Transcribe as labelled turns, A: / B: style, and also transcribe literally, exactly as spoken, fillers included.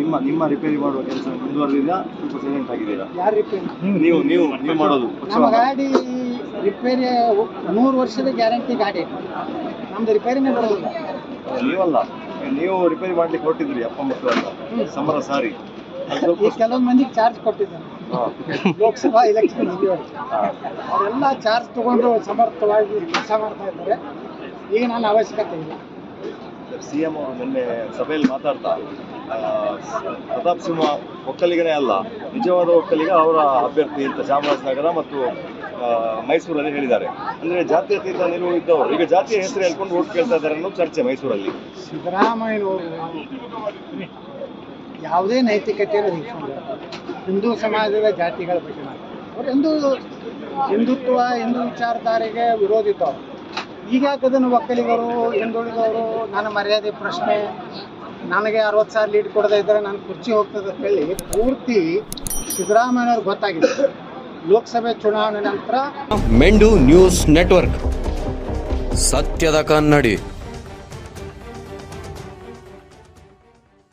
A: ನಿಮ್ಮ ನಿಮ್ಮ ರಿಪೇರಿ ಮಾಡುವ ಕೆಲಸ ಮುಂದುವರೆದಿದೆಯಾ ಸ್ವಲ್ಪ ಸೈಲೆಂಟ್ ಆಗಿದ್ದೀರಾ?
B: ಯಾರು ರಿಪೇರಿ?
A: ನೀವು ನೀವು ನೀವು ಮಾಡೋದು
B: ನಮ್ಮ ಗಾಡಿ ರಿಪೇರಿ ನೂರು ವರ್ಷದ ಗ್ಯಾರಂಟಿ ಗಾಡಿ, ನಮ್ದು ರಿಪೇರಿನೇ ಬರೋದಿಲ್ಲ.
A: ನೀವಲ್ಲ, ನೀವು ರಿಪೇರಿ ಮಾಡ್ಲಿಕ್ಕೆ ಹೊರಟಿದ್ರಿ ಅಪ್ಪ ಮಕ್ಕಳು ಅಂತ ಸಮರ ಸಾರಿ.
B: ಈ ಕೆಲವೊಂದು ಮಂದಿಗೆ ಚಾರ್ಜ್ ಕೊಟ್ಟಿದ್ದಾನೆ ಲೋಕಸಭಾ ಎಲೆಕ್ಷನ್ ಅವರೆಲ್ಲ ಚಾರ್ಜ್ ತಗೊಂಡು ಸಮರ್ಥವಾಗಿ ಕೆಲಸ ಮಾಡ್ತಾ ಇದ್ದಾರೆ. ಈಗ ನನ್ನ ಅವಶ್ಯಕತೆ ಇಲ್ಲ.
A: ಸಿ ಎಂ ಅವರು ನಿನ್ನೆ ಸಭೆಯಲ್ಲಿ ಮಾತಾಡ್ತಾ ಪ್ರತಾಪ್ ಸಿಂಹ ಒಕ್ಕಲಿಗನೇ ಅಲ್ಲ, ನಿಜವಾದ ಒಕ್ಕಲಿಗ ಅವರ ಅಭ್ಯರ್ಥಿ ಅಂತ ಚಾಮರಾಜನಗರ ಮತ್ತು ಮೈಸೂರಲ್ಲಿ ಹೇಳಿದ್ದಾರೆ. ಅಂದರೆ ಜಾತ್ಯತೀತ ನಿಲುವು ಇದ್ದವರು ಈಗ ಜಾತಿಯ ಹೆಸರು ಹೇಳ್ಕೊಂಡು ಓಟ್ ಕೇಳ್ತಾ ಇದ್ದಾರೆ ಅನ್ನೋ ಚರ್ಚೆ ಮೈಸೂರಲ್ಲಿ.
B: ಸಿದ್ದರಾಮಯ್ಯನವರು ಯಾವುದೇ ನೈತಿಕತೆಯನ್ನು ಇಟ್ಕೊಂಡು ಹಿಂದೂ ಸಮಾಜದ ಜಾತಿಗಳ ಬಗ್ಗೆ ಅವರು ಹಿಂದೂ ಹಿಂದುತ್ವ ಹಿಂದೂ ವಿಚಾರಧಾರೆಗೆ ವಿರೋಧಿದ್ದವರು. ಈಗ ಅದನ್ನು ಒಕ್ಕಲಿಗರು ಹಿಂದುಳಿದವರು ನನ್ನ ಮರ್ಯಾದೆ ಪ್ರಶ್ನೆ, ನನಗೆ ಅರವತ್ತು ಸಾವಿರ ಲೀಡ್ ಕೊಡದೇ ಇದ್ದರೆ ನನ್ನ ಕುರ್ಚಿ ಹೋಗ್ತದೆ ಅಂತ ಹೇಳಿ ಪೂರ್ತಿ ಸಿದ್ದರಾಮಯ್ಯನವ್ರಿಗೆ ಗೊತ್ತಾಗಿದೆ. ಲೋಕಸಭೆ ಚುನಾವಣೆ ನಂತರ
C: ಮೆಂಡು ನ್ಯೂಸ್ ನೆಟ್ವರ್ಕ್, ಸತ್ಯದ ಕನ್ನಡಿ.